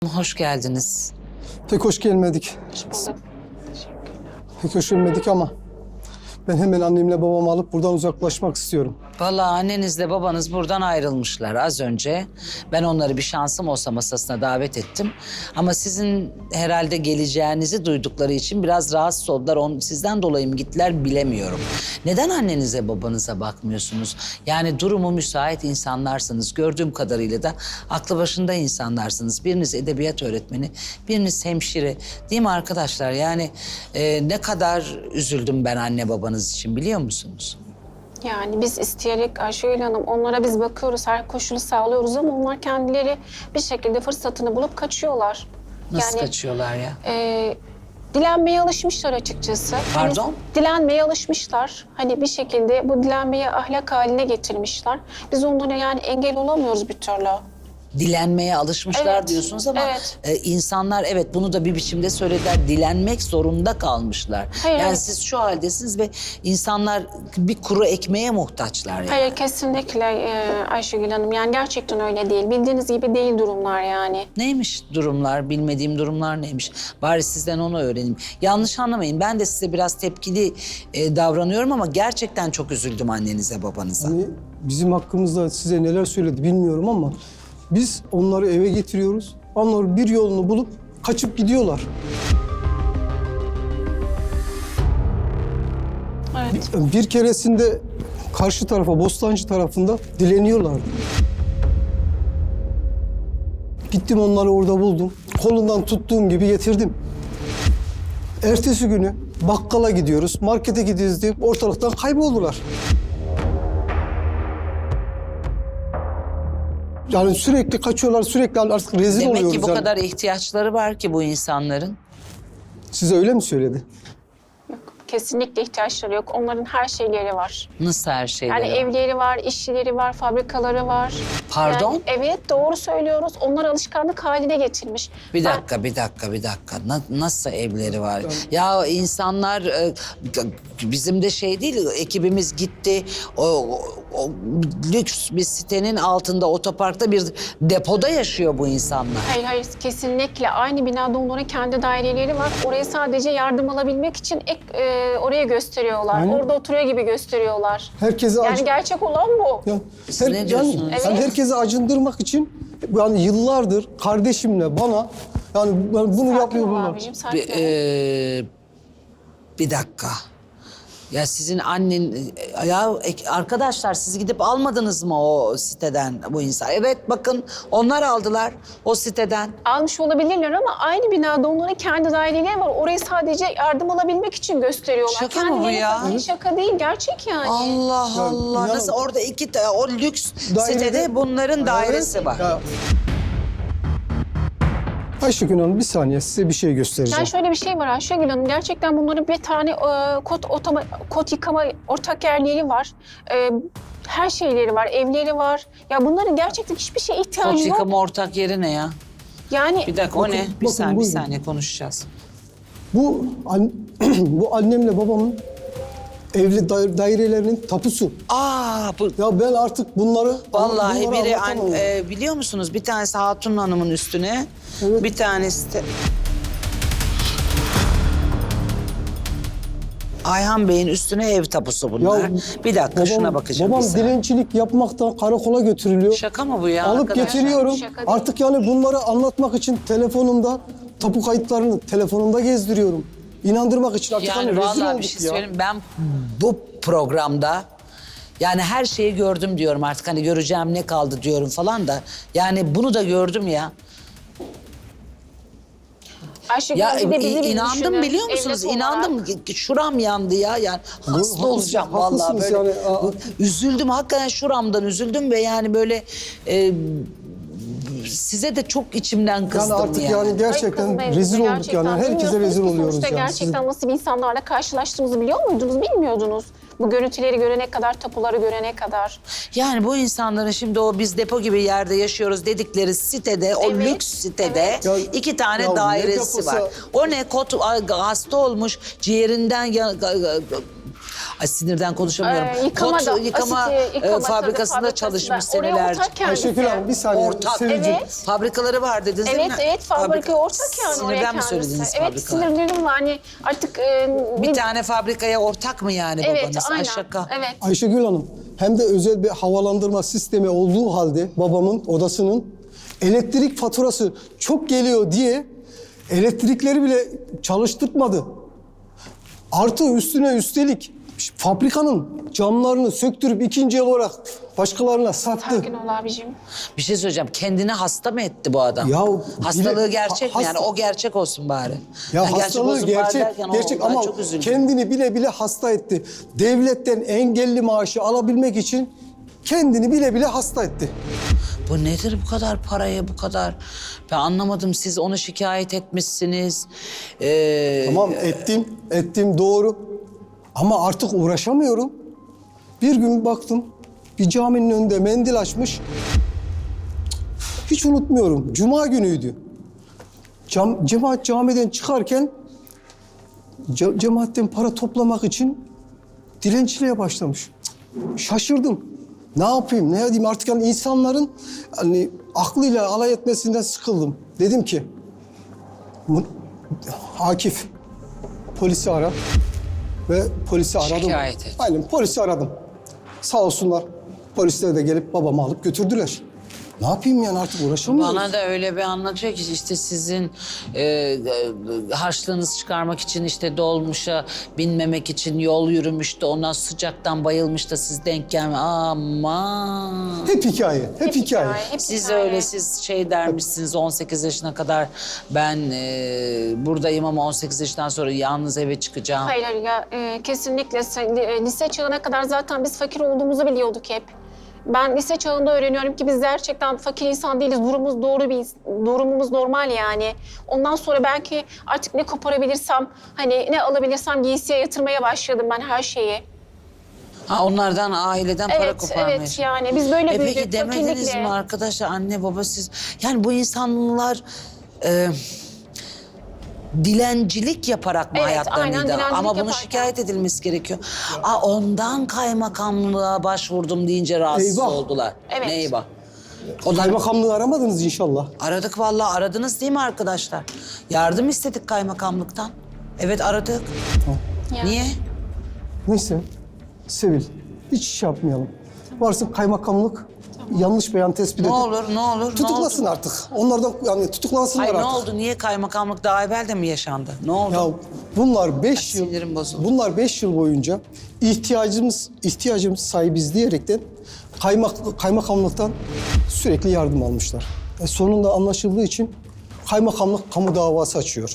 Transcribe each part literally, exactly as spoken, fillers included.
Hoş geldiniz. Pek hoş gelmedik. Pek hoş gelmedik ama ben hemen annemle babamı alıp buradan uzaklaşmak istiyorum. Vallahi annenizle babanız buradan ayrılmışlar az önce. Ben onları bir şansım olsa masasına davet ettim. Ama sizin herhalde geleceğinizi duydukları için biraz rahatsız oldular. On, sizden dolayı mı gittiler bilemiyorum. Neden annenize babanıza bakmıyorsunuz? Yani durumu müsait insanlarsınız. Gördüğüm kadarıyla da aklı başında insanlarsınız. Biriniz edebiyat öğretmeni, biriniz hemşire. Değil mi arkadaşlar? Yani e, ne kadar üzüldüm ben anne babanız için biliyor musunuz? Yani biz isteyerek Ayşegül Hanım, onlara biz bakıyoruz, her koşulu sağlıyoruz ama onlar kendileri bir şekilde fırsatını bulup kaçıyorlar. Nasıl yani, kaçıyorlar ya? E, dilenmeye alışmışlar açıkçası. Pardon? Hani, dilenmeye alışmışlar. Hani bir şekilde bu dilenmeyi ahlak haline getirmişler. Biz onlara yani engel olamıyoruz bir türlü. Dilenmeye alışmışlar Evet, diyorsunuz ama evet. e, insanlar evet bunu da bir biçimde söylediler. Dilenmek zorunda kalmışlar. Hayır, yani hayır. siz şu haldesiniz ve insanlar bir kuru ekmeğe muhtaçlar yani. Hayır, kesinlikle e, Ayşegül Hanım. Yani gerçekten öyle değil. Bildiğiniz gibi değil durumlar yani. Neymiş durumlar, bilmediğim durumlar neymiş? Bari sizden onu öğreneyim. Yanlış anlamayın, ben de size biraz tepkili e, davranıyorum ama gerçekten çok üzüldüm annenize, babanıza. Hani bizim hakkımızda size neler söyledi bilmiyorum ama biz onları eve getiriyoruz. Onlar bir yolunu bulup kaçıp gidiyorlar. Evet. Bir keresinde karşı tarafa, Bostancı tarafında dileniyorlardı. Gittim onları orada buldum. Kolundan tuttuğum gibi getirdim. Ertesi günü bakkala gidiyoruz, markete gidiyoruz deyip ortalıktan kayboldular. Yani sürekli kaçıyorlar, sürekli artık rezil Demek oluyoruz. ki bu yani. kadar ihtiyaçları var ki bu insanların. Size öyle mi söyledi? Yok, kesinlikle ihtiyaçları yok. Onların her şeyleri var. Nasıl her şeyleri Yani var? evleri var, işçileri var, fabrikaları var. Pardon? Yani, evet, doğru söylüyoruz. Onlar alışkanlık haline getirmiş. Bir Ben- dakika, bir dakika, bir dakika. Na- nasıl evleri var? Ya insanlar, e, bizim de şey değil, ekibimiz gitti. O, o- o lüks bir sitenin altında, otoparkta bir depoda yaşıyor bu insanlar. Hayır, hayır, kesinlikle. Aynı binada onların kendi daireleri var. Oraya sadece yardım alabilmek için ek, e, oraya gösteriyorlar. Aynen. Orada oturuyor gibi gösteriyorlar. Herkese Yani acı... gerçek olan bu. Ya, Siz ne diyorsunuz? Yani, Evet. yani herkese acındırmak için yani yıllardır kardeşimle bana yani bunu Sakin yapıyor ol bunlar. abicim, sakin Bir, ol. e, bir dakika. Ya sizin annen, ya ek- arkadaşlar siz gidip almadınız mı o siteden bu insan? Evet bakın onlar aldılar o siteden. Almış olabilirler ama aynı binada onların kendi daireleri var. Orayı sadece yardım alabilmek için gösteriyorlar. Şaka mı bu Kendileri ya? falan- Şaka değil, gerçek yani. Allah Ya, Allah. ya- Nasıl orada iki ta- o lüks Dairede- sitede bunların dairesi Evet. var. Ya. Ayşegül Hanım bir saniye size bir şey göstereceğim. Yani şöyle bir şey var Ayşegül Hanım. Gerçekten bunların bir tane e, kot, otoma, kot yıkama ortak yerleri var. E, her şeyleri var, evleri var. Ya bunların gerçekten hiçbir şeye Kot ihtiyacı yok. yıkama ortak yeri ne ya? Yani Bir dakika o Bakın, ne? Bir bakın, saniye, bir buyurun. saniye konuşacağız. Bu an- bu annemle babamın evli daire- dairelerinin tapusu. Aa bu Ya ben artık bunları vallahi bunları biri an- anlatamam. e, biliyor musunuz bir tanesi Hatun Hanım'ın üstüne, Evet. bir tanesi de Ayhan Bey'in üstüne ev tapusu bunlar. bir dakika şuna bakacağım. Babam bir saniye. dilencilik yapmaktan karakola götürülüyor. Şaka mı bu ya Alıp arkadaşlar? getiriyorum. Şaka değil. Artık yani bunları anlatmak için telefonumda tapu kayıtlarını telefonumda gezdiriyorum. İnandırmak için artık Yani hani rezil vallahi olduk bir şey ya. söyleyeyim ben bu programda yani her şeyi gördüm diyorum artık hani göreceğim ne kaldı diyorum falan da yani bunu da gördüm ya. Ayşegül Ya Hanım bir de bizi i- bir inandım düşünün. biliyor musunuz? Evlat İnandım. olarak. Şuram yandı ya yani. Hasta haklısınız, olacağım vallahi haklısınız böyle. yani, aa. Üzüldüm hakikaten şuramdan üzüldüm ve yani böyle e, size de çok içimden kızdım Yani artık yani Hayır, gerçekten kızmayın rezil bize olduk gerçekten. yani. Herkese Bilmiyorsunuz rezil ki oluyoruz sonuçta yani. gerçekten nasıl bir insanlarla karşılaştığımızı biliyor muydunuz? Bilmiyordunuz. Bu görüntüleri görene kadar, tapuları görene kadar. Yani bu insanların şimdi o biz depo gibi yerde yaşıyoruz dedikleri sitede, o Evet, lüks sitede evet. Ya- iki tane ya ne dairesi deposu? var. O ne kot ay, hasta olmuş ciğerinden ya- Ay, sinirden konuşamıyorum. Ee, yıkama Kot da, yıkama, asiti, e, yıkama fabrikasında tabii, çalışmış fabrikasında. Oraya senelerce. ortak kendisi. Ayşegül Hanım bir saniye. Ortak. Sevilcim. Evet. Fabrikaları var dediniz değil Evet, mi? evet, fabrika ortak yani oraya Sinirden mi kendisi. söylediniz Evet, fabrikalar? sinirlerim var. Hani artık... E, Bir tane fabrikaya ortak mı yani Evet, babanız? Ay aynen. şaka. Evet. Ayşegül Hanım hem de özel bir havalandırma sistemi olduğu halde babamın odasının elektrik faturası çok geliyor diye elektrikleri bile çalıştırmadı. Artı üstüne üstelik fabrikanın camlarını söktürüp ikinci el olarak başkalarına sattı. Sakin ol abicim. Bir şey söyleyeceğim. Kendini hasta mı etti bu adam? Ya Hastalığı bile- gerçek ha- mi yani? hasta- O gerçek olsun bari. Ya Yani hastalığı olsun bari gerçek, derken o- gerçek ben ama çok üzüldüm. kendini bile bile hasta etti. Devletten engelli maaşı alabilmek için kendini bile bile hasta etti. Bu nedir bu kadar paraya bu kadar? Ben anlamadım. Siz onu şikayet etmişsiniz. Ee, Tamam ettim, ettim doğru. Ama artık uğraşamıyorum. Bir gün baktım, bir caminin önünde mendil açmış. Hiç unutmuyorum, cuma günüydü. Cam, cemaat camiden çıkarken ce- cemaatten para toplamak için dilenciliğe başlamış. Cık, şaşırdım. Ne yapayım, ne edeyim artık yani insanların hani aklıyla alay etmesinden sıkıldım. Dedim ki, "Bu- Akif, polisi ara ve polisi aradım. Şikayet et. Aynen polisi aradım. Sağ olsunlar polisler de gelip babamı alıp götürdüler. Ne yapayım yani artık uğraşamıyorum. Bana da öyle bir anlatıyor ki işte sizin e, e, harçlığınızı çıkarmak için işte dolmuşa binmemek için yol yürümüş de ondan sıcaktan bayılmış da siz denk gelme. Aman. Hep hikaye, hep, hikaye. hep Siz hikaye. öyle siz şey dermişsiniz on sekiz yaşına kadar ben e, buradayım ama on sekiz yaşından sonra yalnız eve çıkacağım. Hayır hayır ya e, kesinlikle Sen- e, lise çağına kadar zaten biz fakir olduğumuzu biliyorduk hep. Ben lise çağında öğreniyorum ki biz gerçekten fakir insan değiliz. Durumumuz doğru bir durumumuz normal yani. Ondan sonra belki artık ne koparabilirsem, hani ne alabilirsem giysiye yatırmaya başladım ben her şeyi. Ha onlardan aileden para Evet, koparmaya. evet yani biz böyle E büyüdük peki demediniz fakirlikle. mi arkadaşlar anne baba siz yani bu insanlar e, dilencilik yaparak mı Evet, hayatlarını aynen, idame- dilencilik ama bunu yaparken. şikayet edilmesi gerekiyor. Aa ondan kaymakamlığa başvurdum deyince rahatsız Eyvah. oldular. Evet. Ne eyvah? Onlar Kaymakamlığı aramadınız inşallah. aradık vallahi aradınız değil mi arkadaşlar? Yardım istedik kaymakamlıktan. Evet aradık. Yani. Niye? Neyse, Sevil, hiç iş yapmayalım. Varsın kaymakamlık yanlış beyan tespit Ne edip olur ne olur tutuklasın ne oldu? artık. Onlardan yani tutuklansınlar Hayır ne artık. oldu? Niye kaymakamlık daha evvel de mi yaşandı? Ne oldu? Ya bunlar beş Ay, yıl, sinirim bozuldu. bunlar beş yıl boyunca ihtiyacımız ihtiyacımız sahibiz diyerekten kaymak, kaymakamlıktan sürekli yardım almışlar. E sonunda anlaşıldığı için kaymakamlık kamu davası açıyor.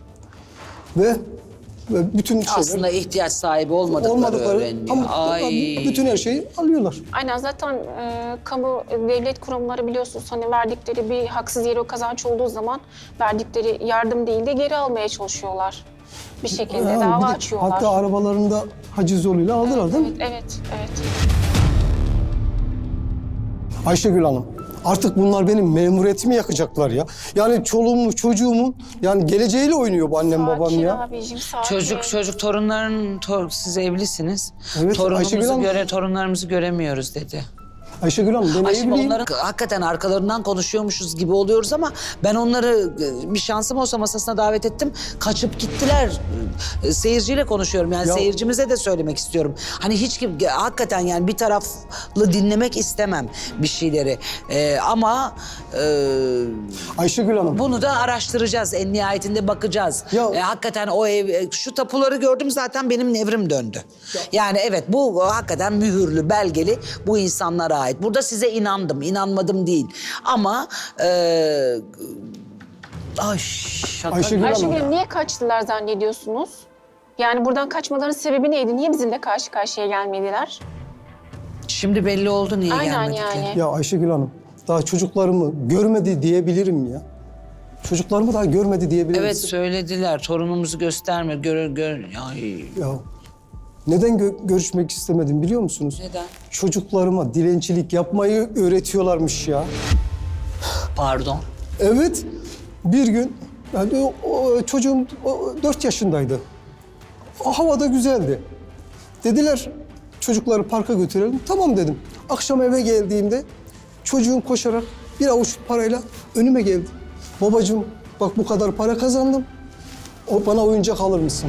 Ve, ve bütün şeyler Aslında ihtiyaç sahibi olmadıkları, olmadıkları öğreniliyor. kamu- Ay. bütün her şeyi alıyorlar. Aynen zaten e, kamu devlet kurumları biliyorsunuz hani verdikleri bir haksız yere kazanç olduğu zaman verdikleri yardım değil de geri almaya çalışıyorlar. Bir şekilde Yani bir dava de açıyorlar. Hatta arabalarında haciz yoluyla aldılar değil mi? Evet, evet, evet. Ayşegül Hanım, artık bunlar benim memuriyetimi yakacaklar ya. Yani çoluğumu, çocuğumun yani geleceğiyle oynuyor bu annem babam Sakin ya. abicim, sakin. Çocuk çocuk torunların tor, siz evlisiniz. Evet, Torunumuzu Ayşegül Hanım. göre torunlarımızı göremiyoruz dedi. Ayşegül Hanım ben Ay şimdi evliyim. onların hakikaten arkalarından konuşuyormuşuz gibi oluyoruz ama ben onları e, bir şansım olsa masasına davet ettim. Kaçıp gittiler. E, Seyirciyle konuşuyorum yani Ya- seyircimize de söylemek istiyorum. Hani hiç kim hakikaten yani bir taraflı dinlemek istemem bir şeyleri. E, ama e, Ayşegül Hanım. bunu da araştıracağız. En nihayetinde bakacağız. Ya- E, hakikaten o ev, e, şu tapuları gördüm zaten benim nevrim döndü. Yani evet bu hakikaten mühürlü, belgeli bu insanlara ait. Burada size inandım, inanmadım değil. Ama e, ay şaka. Ayşegül Hanım. Ayşegül Hanım, niye kaçtılar zannediyorsunuz? Yani buradan kaçmaların sebebi neydi? Niye bizimle karşı karşıya gelmediler? Şimdi belli oldu niye Aynen gelmedikleri. yani. Ya Ayşegül Hanım daha çocuklarımı görmedi diyebilirim ya. Çocuklarımı daha görmedi diyebilirim. Evet söylediler. Torunumuzu gösterme. Gör, gör. Ay. Ya neden gö- görüşmek istemedim biliyor musunuz? Neden? Çocuklarıma dilencilik yapmayı öğretiyorlarmış ya. Pardon. Evet, bir gün yani o, o çocuğum o, dört yaşındaydı. O havada güzeldi. Dediler çocukları parka götürelim. Tamam dedim. Akşam eve geldiğimde çocuğum koşarak bir avuç parayla önüme geldi. Babacığım bak bu kadar para kazandım. O bana oyuncak alır mısın?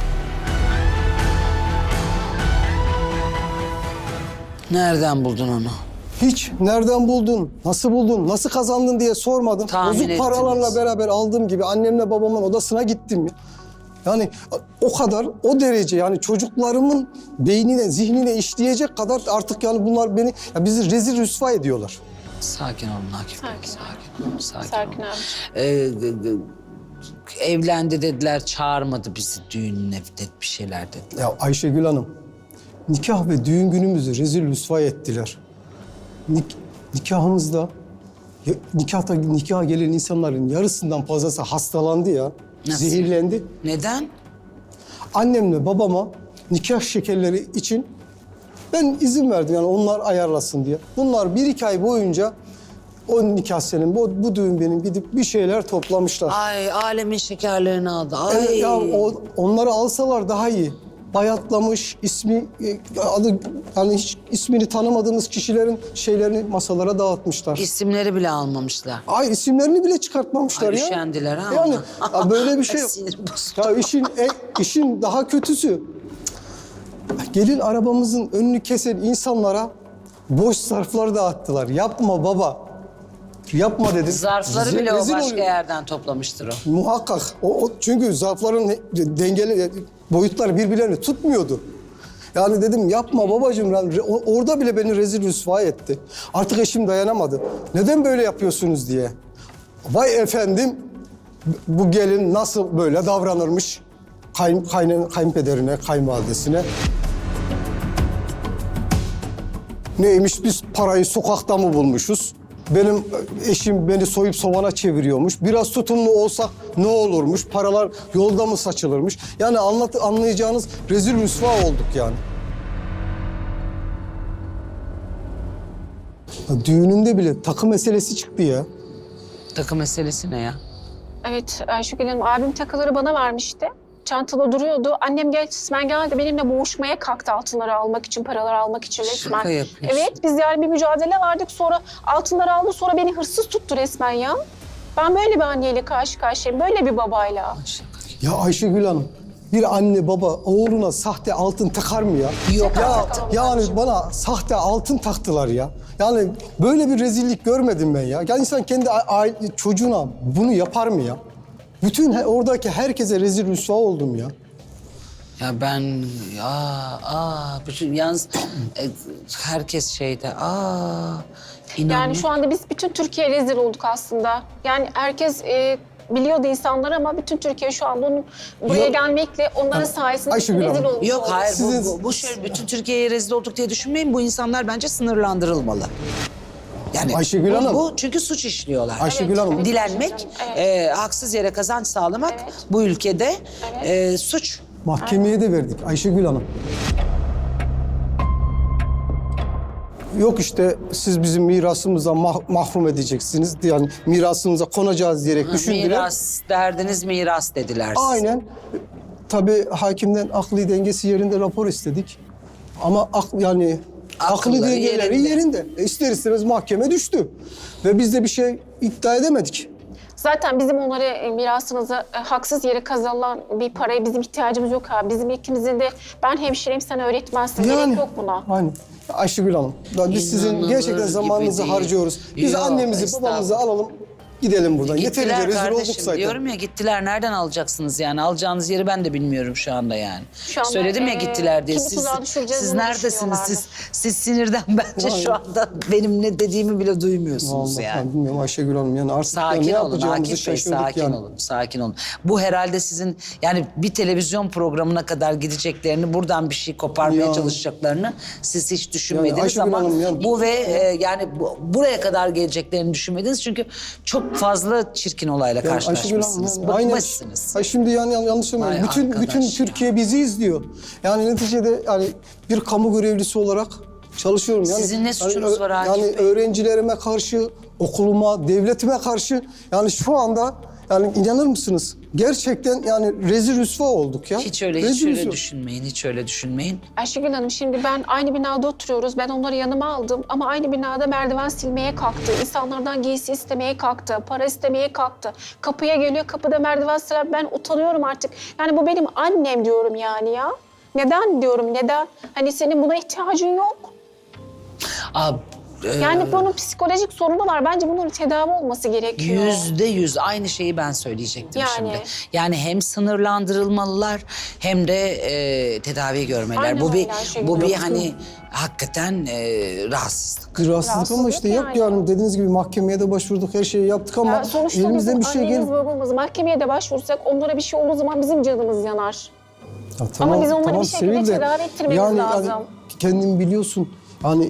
Nereden buldun onu? Hiç nereden buldun, nasıl buldun, nasıl kazandın diye sormadım. Tahmin Bozuk ettiniz. paralarla beraber aldığım gibi annemle babamın odasına gittim. Yani o kadar, o derece yani çocuklarımın beynine, zihnine işleyecek kadar artık yani bunlar beni, ya bizi rezil rüsva ediyorlar. Sakin olun Akif Bey, Sakin. sakin olun. Sakin, Sakin olun. abi. Ee, de- de- evlendi dediler, çağırmadı bizi düğününe, de- bir şeyler dediler. Ya Ayşegül Hanım, nikah ve düğün günümüzü rezil rüsva ettiler. Nik nikahımızda, ya, nikahta nikaha gelen insanların yarısından fazlası hastalandı ya. Nasıl? Zehirlendi. Neden? Annemle babama nikah şekerleri için ben izin verdim yani onlar ayarlasın diye. Bunlar bir iki ay boyunca o nikah senin, bu, bu düğün benim gidip bir şeyler toplamışlar. Ay alemin şekerlerini aldı. Ay. Evet, ya o, onları alsalar daha iyi. Bayatlamış, ismi, e, adı, yani hiç ismini tanımadığımız kişilerin şeylerini masalara dağıtmışlar. İsimleri bile almamışlar. Ay isimlerini bile çıkartmamışlar Ay, ya. üşendiler ha Yani ona. ya böyle bir şey Ay, yok. sinirim bozuldu. Ya işin, e, işin daha kötüsü. Gelin arabamızın önünü kesen insanlara boş zarflar dağıttılar. Yapma baba. Yapma dedim. Zarfları Ze- bile o rezil başka oluyor. yerden toplamıştır o. Muhakkak. O, o- çünkü zarfların he- dengeli boyutları birbirlerini tutmuyordu. Yani dedim yapma babacığım. Yani re- o- orada bile beni rezil rüsva etti. Artık eşim dayanamadı. Neden böyle yapıyorsunuz diye. Vay efendim bu gelin nasıl böyle davranırmış kayın, kayın, kayınpederine, kayınvalidesine. Neymiş biz parayı sokakta mı bulmuşuz? Benim eşim beni soyup sovana çeviriyormuş. Biraz tutumlu olsak ne olurmuş? Paralar yolda mı saçılırmış? Yani anlat, anlayacağınız rezil rüsva olduk yani. Ya düğünümde bile takı meselesi çıktı ya. Takı meselesi ne ya? Evet Ayşegül Hanım, abim takıları bana vermişti. Çantada duruyordu. Annem gel, resmen geldi benimle boğuşmaya kalktı altınları almak için, paraları almak için resmen. Şaka yapıyorsun. Evet, biz yani bir mücadele verdik. Sonra altınları aldı, sonra beni hırsız tuttu resmen ya. Ben böyle bir anneyle karşı karşıyayım, böyle bir babayla. Şaka. Ya Ayşegül Hanım, bir anne baba oğluna sahte altın takar mı ya? Yok Ya artık. yani bana sahte altın taktılar ya. Yani böyle bir rezillik görmedim ben ya. Ya insan kendi a- aile, çocuğuna bunu yapar mı ya? Bütün he- oradaki herkese rezil rüsva oldum ya. Ya ben ya aa bütün yalnız e, herkes şeyde aa inanmıyor. Yani şu anda biz bütün Türkiye rezil olduk aslında. Yani herkes e, biliyordu insanlar ama bütün Türkiye şu anda onun buraya Yok. gelmekle onların sayesinde Ayşegül rezil Hanım. olmuş Yok olduk. hayır Sizin- bu, bu, bu şöyle bütün Türkiye'ye rezil olduk diye düşünmeyin. Bu insanlar bence sınırlandırılmalı. Yani Ayşegül bu, Hanım. bu çünkü suç işliyorlar. Ayşegül Evet, Hanım. evet. Dilenmek, Evet. e, haksız yere kazanç sağlamak Evet. bu ülkede Evet. e, suç. Mahkemeye de verdik Ayşegül Hanım. Yok işte siz bizim mirasımızdan mah- mahrum edeceksiniz. Yani mirasımıza konacağız diyerek düşündüler. Miras, derdiniz miras dediler size. Aynen. Tabii hakimden akli dengesi yerinde rapor istedik. Ama ak, yani akli Akılları dengeleri yerinde. yerinde. E ister istemez mahkeme düştü. Ve biz de bir şey iddia edemedik. Zaten bizim onlara e, mirasımıza e, haksız yere kazanılan bir paraya bizim ihtiyacımız yok abi. Bizim ikimizin de ben hemşireyim sen öğretmensin. Gerek yok buna. Aynen. Ayşegül Hanım, ben biz sizin İnanılır gerçekten gibi zamanınızı değil. harcıyoruz. Biz Yok, annemizi, babamızı alalım, gidelim buradan. Gittiler Yeterince rezil olduk kardeşim zaten. diyorum ya gittiler nereden alacaksınız yani alacağınız yeri ben de bilmiyorum şu anda yani. Şu anda, Söyledim ya e, gittiler diye kimi siz, tuzağa düşüreceğiz siz onu neredesiniz düşünüyorlardı. siz siz sinirden bence Vallahi. şu anda benim ne dediğimi bile duymuyorsunuz Vallahi yani. ben bilmiyorum Ayşegül Hanım yani artık ya Sakin ne olun yapacağımızı Akif Bey, şaşırdık sakin yani. olun, sakin olun. Bu herhalde sizin yani bir televizyon programına kadar gideceklerini, buradan bir şey koparmaya Ya. çalışacaklarını siz hiç düşünmediniz Ayşegül ama Hanım yani- bu ve e, yani bu, buraya kadar geleceklerini düşünmediniz çünkü çok fazla çirkin olayla Yani Ayşegül Hanım karşılaşmışsınız, yani aynen- bıkmışsınız. Ay şimdi yani yanlış Vay anlamayın. Bütün arkadaş bütün ya. Türkiye bizi izliyor. Yani neticede yani bir kamu görevlisi olarak çalışıyorum. Yani, Sizin ne suçunuz yani, var Akif Yani Bey? öğrencilerime karşı, okuluma, devletime karşı yani şu anda Yani inanır mısınız? Gerçekten yani rezil rüsva olduk ya. Hiç öyle, hiç Rezil öyle rüsva. düşünmeyin, hiç öyle düşünmeyin. Ayşegül Hanım şimdi ben aynı binada oturuyoruz. Ben onları yanıma aldım ama aynı binada merdiven silmeye kalktı. İnsanlardan giysi istemeye kalktı. Para istemeye kalktı. Kapıya geliyor, kapıda merdiven siler. Ben utanıyorum artık. Yani bu benim annem diyorum yani ya. Neden diyorum, neden? Hani senin buna ihtiyacın yok. Aa, e, Yani bunun psikolojik sorunu var. Bence bunun tedavi olması gerekiyor. Yüzde yüz aynı şeyi ben söyleyecektim Yani. şimdi. Yani hem sınırlandırılmalılar hem de e, tedavi görmeler. Aynen bu bir öyle Ayşegül bu bir Hanım. hani hakikaten e, rahatsızlık. Bir rahatsızlık ama işte yok yani. yani dediğiniz gibi mahkemeye de başvurduk, her şeyi yaptık ama Ya sonuçta elimizden bizim bir şey annemiz, gelip... babamız mahkemeye de başvursak onlara bir şey olduğu zaman bizim canımız yanar. Ya Ama biz onları bir şekilde Sevil de, tedavi ettirmemiz yani, lazım. Yani kendin biliyorsun hani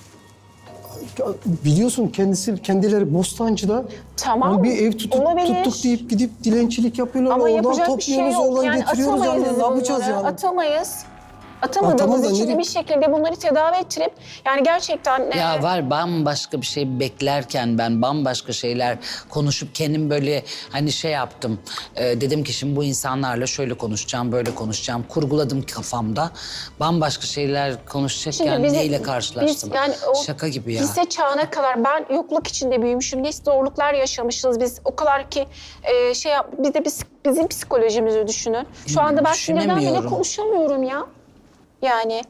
biliyorsun kendisi kendileri Bostancı'da Tamam, hani bir ev tutup, olabilir. tuttuk deyip gidip dilencilik yapıyorlar. Ama oradan yapacak bir şey topluyoruz, yok. oradan Yani getiriyoruz. atamayız Yani biz ne yapacağız bunları. yani? Atamayız. Ya Atamadığımız tamam da için nereye- bir şekilde bunları tedavi ettirip yani gerçekten... Ya e, var bambaşka bir şey beklerken ben bambaşka şeyler konuşup kendim böyle hani şey yaptım. Ee, dedim ki şimdi bu insanlarla şöyle konuşacağım, böyle konuşacağım. Kurguladım kafamda. Bambaşka şeyler konuşacakken Şimdi bizi- neyle karşılaştım? biz yani o Şaka gibi ya. Lise çağına kadar ben yokluk içinde büyümüşüm. Ne zorluklar yaşamışız biz. O kadar ki e, şey yap, bir de biz, bizim psikolojimizi düşünün. Şu anda ben sinirden bile Düşünemiyorum. konuşamıyorum ya. Yani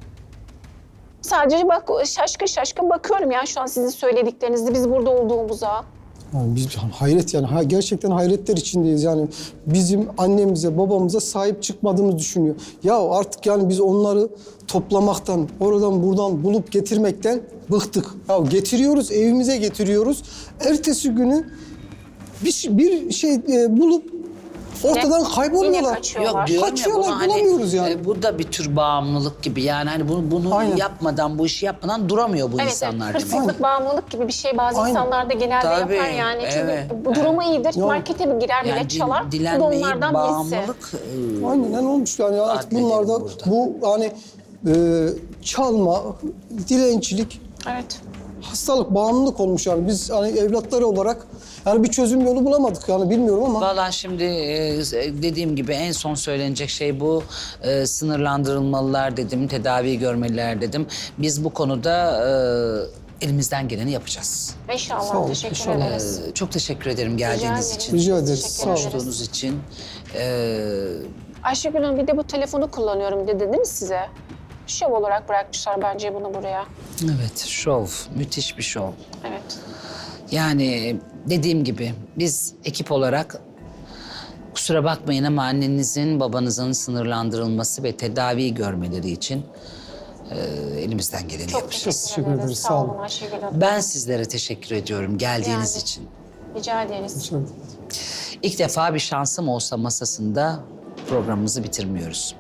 sadece bak şaşkın şaşkın bakıyorum ya şu an sizin söylediklerinizde biz burada olduğumuza. Yani biz hayret yani ha, gerçekten hayretler içindeyiz yani bizim annemize babamıza sahip çıkmadığımızı düşünüyor. Ya artık yani biz onları toplamaktan oradan buradan bulup getirmekten bıktık. Ya getiriyoruz evimize getiriyoruz. Ertesi günü bir, şey- bir şey e, bulup ortadan Yine kayboluyorlar. kaçıyorlar. Yok diyorum ya Kaçıyorlar, bunu hani bulamıyoruz yani. e, bu da bir tür bağımlılık gibi yani hani bunu, bunu Aynen. yapmadan bu işi yapmadan duramıyor bu Evet, insanlar evet. demek. Hırsızlık, bağımlılık gibi bir şey bazı Aynen. insanlarda genelde Tabii, yapar yani. Çünkü evet, bu durumu iyidir. Yok. Markete bir girer bile Yani dil- çalar. Bu da dilenmeyi onlardan birisi. bağımlılık e, Aynen olmuş yani artık Adledelim bunlar da burada. bu hani e, çalma, dilencilik Evet. hastalık, bağımlılık olmuş yani. Biz hani evlatları olarak yani bir çözüm yolu bulamadık yani bilmiyorum ama. Vallahi şimdi e, dediğim gibi en son söylenecek şey bu. E, sınırlandırılmalılar dedim, tedavi görmeliler dedim. Biz bu konuda e, elimizden geleni yapacağız. İnşallah. Sağ olun, Teşekkür inşallah. ederiz. E, çok teşekkür ederim geldiğiniz ederim. için. Rica ederiz. Teşekkür Sağ olun. ederiz. Konuştuğunuz için. E, Ayşegül Hanım bir de bu telefonu kullanıyorum dedi değil mi size? Şov olarak bırakmışlar bence bunu buraya. evet, şov. Müthiş bir şov. Evet. Yani dediğim gibi biz ekip olarak kusura bakmayın ama annenizin babanızın sınırlandırılması ve tedavi görmeleri için e, elimizden geleni Çok yapacağız. teşekkür, teşekkür ederiz. ederiz, Sağ sağ olun olun. Ayşegül Hanım. Ben sizlere teşekkür ediyorum geldiğiniz Yani. için. Rica ederiz. Şöyle. İlk defa bir şansım olsa masasında programımızı bitirmiyoruz.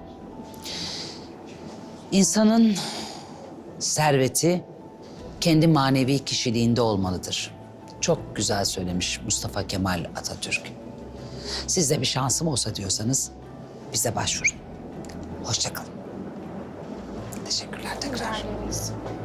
İnsanın serveti kendi manevi kişiliğinde olmalıdır. Çok güzel söylemiş Mustafa Kemal Atatürk. Siz de bir şansım olsa diyorsanız bize başvurun. Hoşça kalın. Teşekkürler tekrar. Rica ederiz.